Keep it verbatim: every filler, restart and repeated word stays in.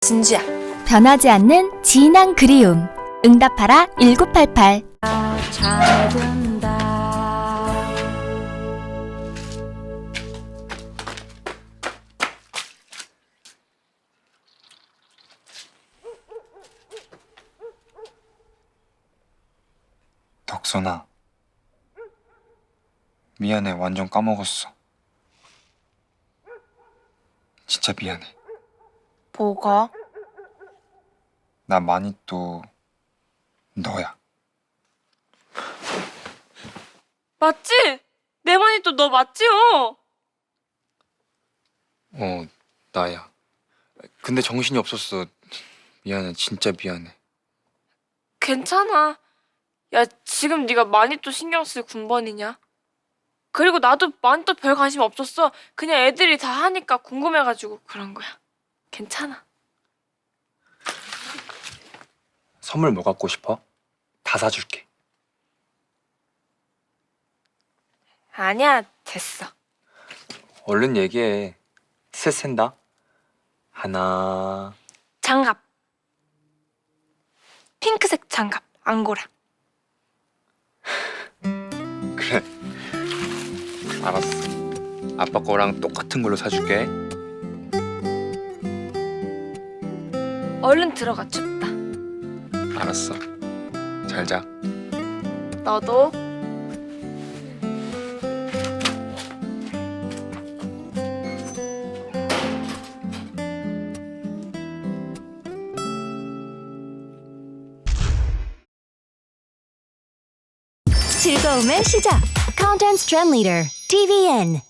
진주야. 변하지 않는 진한 그리움. 응답하라 일구팔팔. 잘 된다. 덕선아, 미안해. 완전 까먹었어. 진짜 미안해. 뭐가? 나 많이 또 너야. 맞지? 내 말이 또 너 맞지요? 어, 나야. 근데 정신이 없었어. 미안해. 진짜 미안해. 괜찮아. 야, 지금 네가 많이 또 신경 쓸 군번이냐? 그리고 나도 많이 또 별 관심 없었어. 그냥 애들이 다 하니까 궁금해가지고 그런 거야. 괜찮아. 선물 뭐 갖고 싶어? 다 사줄게. 아니야, 됐어. 얼른 얘기해. 셋 센다. 하나. 장갑. 핑크색 장갑, 앙고라. 그래. 알았어. 아빠 거랑 똑같은 걸로 사줄게. 얼른 들어가, 춥다. 알았어. 잘 자. 너도. 즐거움의 시작. Content Trend Leader 티비엔.